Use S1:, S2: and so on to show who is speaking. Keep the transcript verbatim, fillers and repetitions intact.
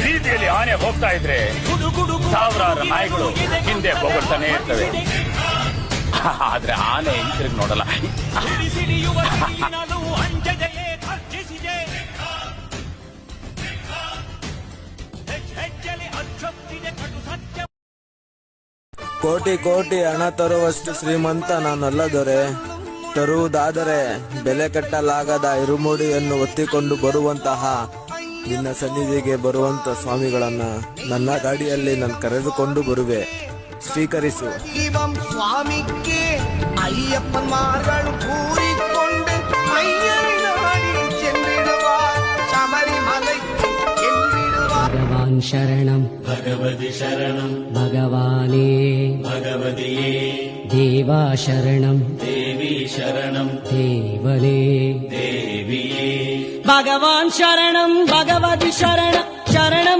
S1: ಬೀದಿಯಲ್ಲಿ ಆನೆ ಹೋಗ್ತಾ ಇದ್ರೆ ಸಾವಿರಾರು ನಾಯಿಗಳು ಹಿಂದೆ ಹೋಗ್ತಾನೆ ಇರ್ತವೆ, ಆದ್ರೆ ಆನೆ ಹಿಂತಿರುಗಿ ನೋಡಲ್ಲ.
S2: ಕೋಟಿ ಕೋಟಿ ಹಣ ತರುವಷ್ಟು ಶ್ರೀಮಂತ ನಾನಲ್ಲ ದೊರೆ. ತರುವುದಾದರೆ ಬೆಲೆ ಕಟ್ಟಲಾಗದ ಇರುಮುಡಿಯನ್ನು ಒತ್ತಿಕೊಂಡು ಬರುವಂತಹ ನಿನ್ನ ಸನ್ನಿಧಿಗೆ ಬರುವಂತ ಸ್ವಾಮಿಗಳನ್ನ ನನ್ನ ಗಾಡಿಯಲ್ಲಿ ನಾನು ಕರೆದುಕೊಂಡು ಬರುವೆ, ಸ್ವೀಕರಿಸು.
S3: ಸ್ವಾಮಿಗೆ ಅಯ್ಯಪ್ಪನ ಮಾರ್ಗಳು ಕೂರಿಕೊಂಡು
S4: ಭಗವಾನ್ ಶರಣಂ ಭಗವತಿ ಶರಣಂ ಭಗವಾನೇ ಭಗವತಿಯೇ ದೇವಾ ಶರಣಂ ದೇವಿ ಶರಣಂ ದೇವನೇ ದೇವಿಯೇ ಭಗವಾನ್ ಶರಣಂ ಭಗವತಿ ಶರಣಂ